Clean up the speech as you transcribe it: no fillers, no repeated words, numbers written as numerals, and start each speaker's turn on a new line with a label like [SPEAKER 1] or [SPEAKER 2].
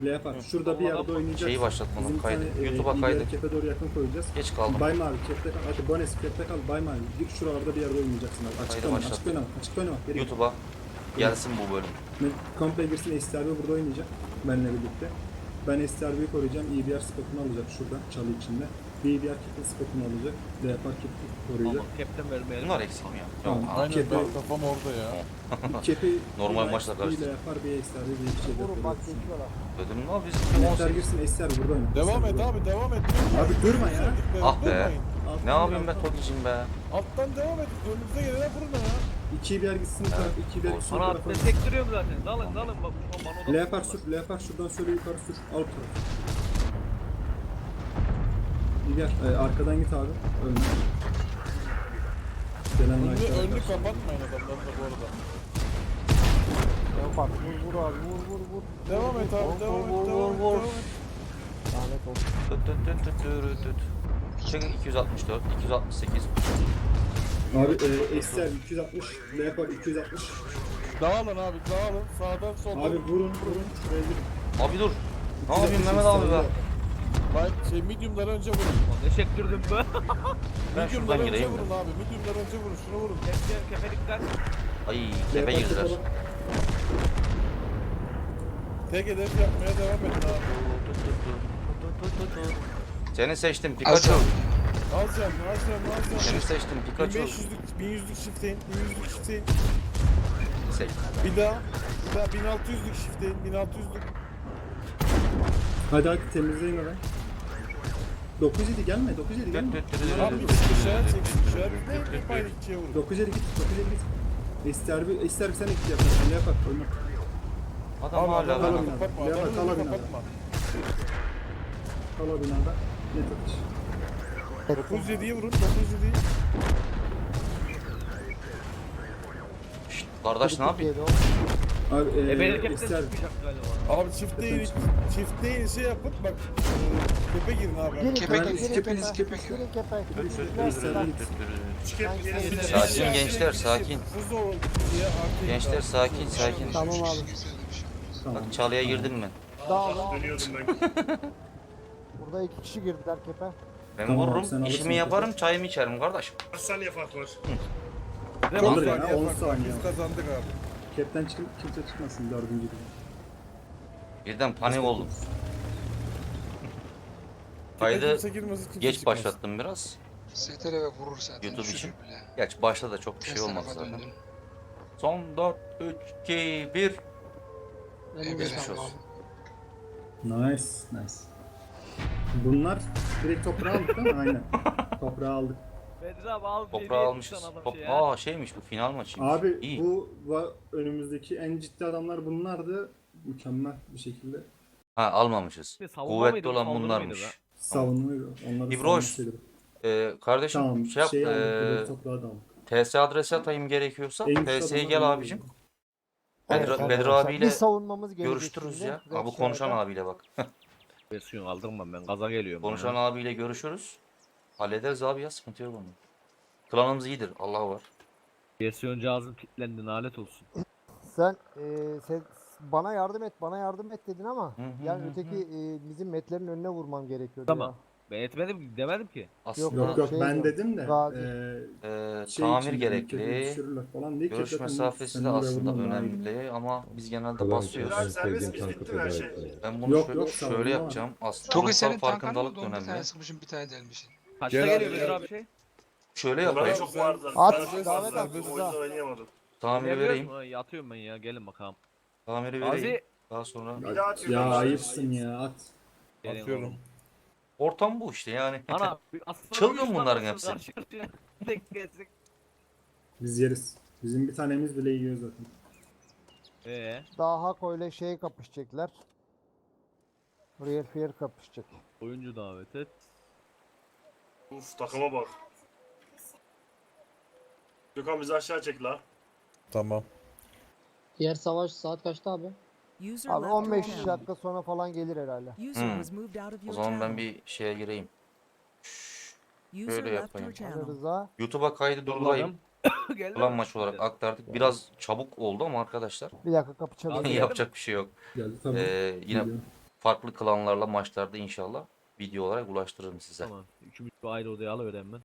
[SPEAKER 1] Leopard şurada bir yerde oynayacağız.
[SPEAKER 2] Şeyi başlatmadım,
[SPEAKER 1] Bizim
[SPEAKER 2] kaydı.
[SPEAKER 1] bir tane,
[SPEAKER 2] YouTube'a kaydı.
[SPEAKER 1] Kepe doğru yakın koyacağız.
[SPEAKER 2] Geç kaldım.
[SPEAKER 1] Bay Mavi kepte kal. Hadi Bones kepte kal. Bay Mavi. Git şuralarda bir yerde oynayacaksın abi. Açık
[SPEAKER 2] Kaydı
[SPEAKER 1] oynama.
[SPEAKER 2] başlat.
[SPEAKER 1] Açık oynama. Açık oynama. Geri git.
[SPEAKER 2] YouTube'a gelsin bu bölüm.
[SPEAKER 1] Komple girsin. STRB burada oynayacak. Benimle birlikte. Ben STRB'yi koruyacağım. EBR spotunu alacak şuradan. Çalı içinde. BBR kepte spotunu alacak. Leopard kepte koruyacak.
[SPEAKER 3] Ama captain vermeyelim.
[SPEAKER 2] Bunlar eksik mi ya?
[SPEAKER 1] Tamam.
[SPEAKER 2] Yok.
[SPEAKER 4] Aynen
[SPEAKER 1] Kepe-
[SPEAKER 4] benim kafam orada ya.
[SPEAKER 1] Kepi
[SPEAKER 2] Normal maçla
[SPEAKER 1] Bir
[SPEAKER 2] karıştı.
[SPEAKER 1] Leopard bir STRB bir iki şey
[SPEAKER 5] Vurun bak
[SPEAKER 1] yapıyoruz.
[SPEAKER 5] geçiyorlar.
[SPEAKER 2] Ödüm ne biz
[SPEAKER 1] STR
[SPEAKER 2] 18.
[SPEAKER 1] girsin. STR burada oynar.
[SPEAKER 4] Devam
[SPEAKER 1] STR
[SPEAKER 4] et
[SPEAKER 1] burada
[SPEAKER 4] abi devam et.
[SPEAKER 1] Abi durma ya.
[SPEAKER 2] Ah be.
[SPEAKER 4] Durmayın.
[SPEAKER 1] oynar.
[SPEAKER 2] Ne yapayım be Tokicim be.
[SPEAKER 4] Alttan devam et. Önümüze gelene vurun ya.
[SPEAKER 1] 2'yi bir yer gitsin. Evet. 2'yi bir yer gitsin.
[SPEAKER 3] Bana
[SPEAKER 1] bu tarafa.
[SPEAKER 3] destek duruyorum zaten. Dalın bak. Şu an bana
[SPEAKER 1] Leopard sür. Leopard şuradan söyle yukarı sür. Alt taraf. Gel. Arkadan git abi. Önüne. Gelen
[SPEAKER 4] Önünü kapatmayın adamların da bu arada.
[SPEAKER 5] Leopard vur abi vur.
[SPEAKER 4] Devam et abi devam et.
[SPEAKER 5] Lanet olsun.
[SPEAKER 2] Çekin 264, 268.
[SPEAKER 1] Abi Excel 260. Leopard 260.
[SPEAKER 4] Dağılın abi dağılın. Sağdan soldan.
[SPEAKER 1] Abi vurun. Şuraya girin.
[SPEAKER 2] Abi dur. Ne yapayım Mehmet abi be.
[SPEAKER 4] Medium'dan önce vurun.
[SPEAKER 3] Ne çektirdim be?
[SPEAKER 2] Ben
[SPEAKER 4] Medium'dan
[SPEAKER 2] şuradan
[SPEAKER 4] önce
[SPEAKER 2] gireyim
[SPEAKER 4] vurun
[SPEAKER 2] mi?
[SPEAKER 4] abi. Medium'dan önce vurun. Şunu vurun.
[SPEAKER 3] Kefelikten.
[SPEAKER 2] Ay tepe
[SPEAKER 1] Leopard
[SPEAKER 2] girdiler.
[SPEAKER 1] tutalım.
[SPEAKER 4] Tek hedef yapmaya devam edin abi.
[SPEAKER 2] Seni seçtim Pikachu.
[SPEAKER 4] Az can.
[SPEAKER 2] Seni seçtim Pikachu.
[SPEAKER 4] 1500'lük 1100'lük shift'teyin. 1100'lük shift'teyin.
[SPEAKER 2] Seç.
[SPEAKER 4] Bir daha 1600'lük shift'teyin. 1600'lük.
[SPEAKER 1] Hadi temizleyin orayı. 907 gelme. 907 gelme.
[SPEAKER 4] Abi bir dışarı çeksin. Dışarı bir hep aynı ikiye vurun.
[SPEAKER 1] 907 git. 907 git. STRB sen iki yaparsın. Leopard oyna.
[SPEAKER 2] Adam
[SPEAKER 4] Abi
[SPEAKER 2] hala
[SPEAKER 4] adamı
[SPEAKER 1] ben-
[SPEAKER 4] kapatma.
[SPEAKER 1] Leopard,
[SPEAKER 4] Adamı
[SPEAKER 1] kal binada.
[SPEAKER 4] kapatma.
[SPEAKER 1] Kal o binada. Net atış.
[SPEAKER 4] 907'yi vurun. 907'yi.
[SPEAKER 2] Şşt, kardeş ne yapayım?
[SPEAKER 1] Abi
[SPEAKER 3] Benim captain
[SPEAKER 1] STRB.
[SPEAKER 3] çıkacak galiba.
[SPEAKER 4] Abi çiftleyin şey yapın bak. Tepe girin abi.
[SPEAKER 5] Girin
[SPEAKER 1] Kepe
[SPEAKER 5] kepe
[SPEAKER 1] gir,
[SPEAKER 5] girin
[SPEAKER 1] kepeniz,
[SPEAKER 5] kepe.
[SPEAKER 1] kepe.
[SPEAKER 5] Girin kepe.
[SPEAKER 2] Sakin gençler sakin.
[SPEAKER 4] Hızlı olun diye artık.
[SPEAKER 2] Gençler sakin.
[SPEAKER 5] Tamam abi.
[SPEAKER 1] Tamam.
[SPEAKER 2] Bak çalıya girdin mi?
[SPEAKER 5] Dağılın.
[SPEAKER 6] Dönüyordum ben.
[SPEAKER 5] Burada 2 kişi girdiler kepe.
[SPEAKER 2] Ben
[SPEAKER 1] Tamam, sen
[SPEAKER 2] vururum,
[SPEAKER 1] alırsın
[SPEAKER 2] işimi yaparım, çayımı içerim kardeş.
[SPEAKER 6] Kaç saniye fark var?
[SPEAKER 4] Çok
[SPEAKER 1] Olur ya,
[SPEAKER 4] saniye
[SPEAKER 1] 10
[SPEAKER 4] fark var.
[SPEAKER 1] saniye.
[SPEAKER 4] Biz kazandık abi.
[SPEAKER 1] Cap'ten çıkıp kimse çıkmasın 4. gibi.
[SPEAKER 2] Birden panik oldum. Kaydı
[SPEAKER 4] Kimse girmesin, kimse
[SPEAKER 2] geç
[SPEAKER 4] çıkmasın.
[SPEAKER 2] başlattım biraz.
[SPEAKER 7] STR'e vurur zaten.
[SPEAKER 2] YouTube için.
[SPEAKER 7] düşürür bile.
[SPEAKER 2] Geç başta da çok bir şey
[SPEAKER 7] Ters
[SPEAKER 2] olmaz
[SPEAKER 7] tarafa
[SPEAKER 2] zaten.
[SPEAKER 7] döndün.
[SPEAKER 2] Son 4, 3, 2, 1.
[SPEAKER 7] Evet,
[SPEAKER 2] Geçmiş
[SPEAKER 7] tamam.
[SPEAKER 2] olsun.
[SPEAKER 1] Nice. Bunlar direkt toprağı aldık değil mi? Aynen. Toprağı aldık.
[SPEAKER 3] Bedri abi al.
[SPEAKER 2] Toprağı almışız. Şeymiş bu final maçıymış.
[SPEAKER 1] Abi
[SPEAKER 2] İyi.
[SPEAKER 1] bu önümüzdeki en ciddi adamlar bunlardı. Mükemmel bir şekilde
[SPEAKER 2] Ha almamışız.
[SPEAKER 3] Savunma
[SPEAKER 2] Kuvvetli
[SPEAKER 3] mıydı,
[SPEAKER 2] olan
[SPEAKER 3] saldırı mıydı
[SPEAKER 2] bunlarmış.
[SPEAKER 3] be?
[SPEAKER 1] savunmuyor. Onları
[SPEAKER 2] İbroş,
[SPEAKER 1] savunmasıydı.
[SPEAKER 2] Kardeşim
[SPEAKER 1] Tamam.
[SPEAKER 2] şey yap.
[SPEAKER 1] Aldık. Direkt toprağı da aldık.
[SPEAKER 2] TS adresi atayım gerekiyorsa.
[SPEAKER 1] En güçlü
[SPEAKER 2] TS'ye
[SPEAKER 1] adamlar
[SPEAKER 2] gel
[SPEAKER 1] bunlar
[SPEAKER 2] abicim.
[SPEAKER 1] oldu.
[SPEAKER 2] Bedri abiyle
[SPEAKER 5] Biz savunmamız gelecek
[SPEAKER 2] görüştürürüz
[SPEAKER 5] şimdi.
[SPEAKER 2] ya.
[SPEAKER 5] Red
[SPEAKER 2] Abi konuşan
[SPEAKER 5] Shire'da.
[SPEAKER 2] abiyle bak.
[SPEAKER 3] Versiyon aldırmam ben. Gaza geliyorum.
[SPEAKER 2] Konuşan abiyle görüşürüz. Hallederiz abi ya, sıkıntı yok onun. Klanımız iyidir. Allah var.
[SPEAKER 3] Versiyon cihazın kilitlendi. Nalet olsun.
[SPEAKER 5] Sen bana yardım et dedin ama
[SPEAKER 2] Hı hı
[SPEAKER 5] yani
[SPEAKER 2] hı
[SPEAKER 5] öteki bizim metlerin önüne vurmam gerekiyordu
[SPEAKER 3] Tamam.
[SPEAKER 5] ya.
[SPEAKER 3] Ben etmedim demedim ki.
[SPEAKER 2] Aslında
[SPEAKER 1] Yok
[SPEAKER 5] Şey
[SPEAKER 1] ben
[SPEAKER 5] yok.
[SPEAKER 1] dedim de
[SPEAKER 5] Gazi.
[SPEAKER 2] tamir
[SPEAKER 1] için,
[SPEAKER 2] gerekli.
[SPEAKER 1] düşürürler falan diye
[SPEAKER 2] Görüş
[SPEAKER 1] Cap'ten
[SPEAKER 2] mesafesi
[SPEAKER 1] sen
[SPEAKER 2] de
[SPEAKER 1] oraya
[SPEAKER 2] aslında
[SPEAKER 1] vurman lazım.
[SPEAKER 2] önemli ama biz genelde
[SPEAKER 6] Abi
[SPEAKER 2] basıyoruz.
[SPEAKER 6] serbest miyiz? Bitti mi her şey?
[SPEAKER 2] Ben bunu
[SPEAKER 1] Yok,
[SPEAKER 2] şöyle,
[SPEAKER 1] yok, savunma
[SPEAKER 2] şöyle
[SPEAKER 1] var.
[SPEAKER 2] yapacağım. Aslında
[SPEAKER 7] Toki
[SPEAKER 2] kurumsal
[SPEAKER 7] senin tankan
[SPEAKER 2] farkındalık
[SPEAKER 7] oldu.
[SPEAKER 2] da
[SPEAKER 7] 11 tane
[SPEAKER 2] önemli.
[SPEAKER 7] sıkmışım, bir tane delmişsin.
[SPEAKER 3] Kaçta
[SPEAKER 4] Gel
[SPEAKER 3] geliyor
[SPEAKER 4] abi,
[SPEAKER 3] Bedri
[SPEAKER 4] gel.
[SPEAKER 3] abi şey?
[SPEAKER 2] Şöyle
[SPEAKER 6] Bana
[SPEAKER 2] yapayım.
[SPEAKER 6] çok vardı.
[SPEAKER 5] At,
[SPEAKER 6] Ben çok
[SPEAKER 5] davet
[SPEAKER 6] fazla.
[SPEAKER 5] at.
[SPEAKER 6] O yüzden oynayamadım.
[SPEAKER 2] Tamiri vereyim.
[SPEAKER 3] Yatıyorum ben ya. Gelin bakalım.
[SPEAKER 2] Tamiri vereyim.
[SPEAKER 3] Gazi.
[SPEAKER 2] Daha sonra.
[SPEAKER 6] Bir daha atıyorum.
[SPEAKER 1] Ya ayıpsın ya at.
[SPEAKER 3] Gelin
[SPEAKER 4] Atıyorum.
[SPEAKER 3] oğlum.
[SPEAKER 2] Ortam bu işte yani.
[SPEAKER 3] Ana.
[SPEAKER 2] Çılgın bunların hepsi.
[SPEAKER 3] Tek gezdik.
[SPEAKER 1] Biz yeriz. Bizim bir tanemiz bile yiyor zaten.
[SPEAKER 5] Daha Hako ile şey kapışacaklar. Real Fear kapışacak.
[SPEAKER 3] Oyuncu davet et.
[SPEAKER 6] Uf takıma bak. Gökhan bizi aşağı çek la.
[SPEAKER 4] Tamam.
[SPEAKER 8] Diğer savaş saat kaçta abi?
[SPEAKER 5] Abi 15 dakika sonra falan gelir herhalde.
[SPEAKER 2] O zaman ben bir şeye gireyim. Şöyle yapayım.
[SPEAKER 5] Ali Rıza.
[SPEAKER 2] YouTube'a kaydı durdurayım.
[SPEAKER 3] Geldi
[SPEAKER 2] Ulan
[SPEAKER 3] mi?
[SPEAKER 2] maç olarak aktardık. Biraz çabuk oldu ama arkadaşlar.
[SPEAKER 5] Bir dakika kapı çalıyor.
[SPEAKER 3] Abi,
[SPEAKER 2] Yapacak bir şey yok.
[SPEAKER 1] Geldi tabii.
[SPEAKER 2] Yine
[SPEAKER 1] Geliyor.
[SPEAKER 2] farklı klanlarla maçlarda inşallah video olarak ulaştırırım size.
[SPEAKER 3] Tamam. Üçümüz bir ayrı odaya alıverelim ben.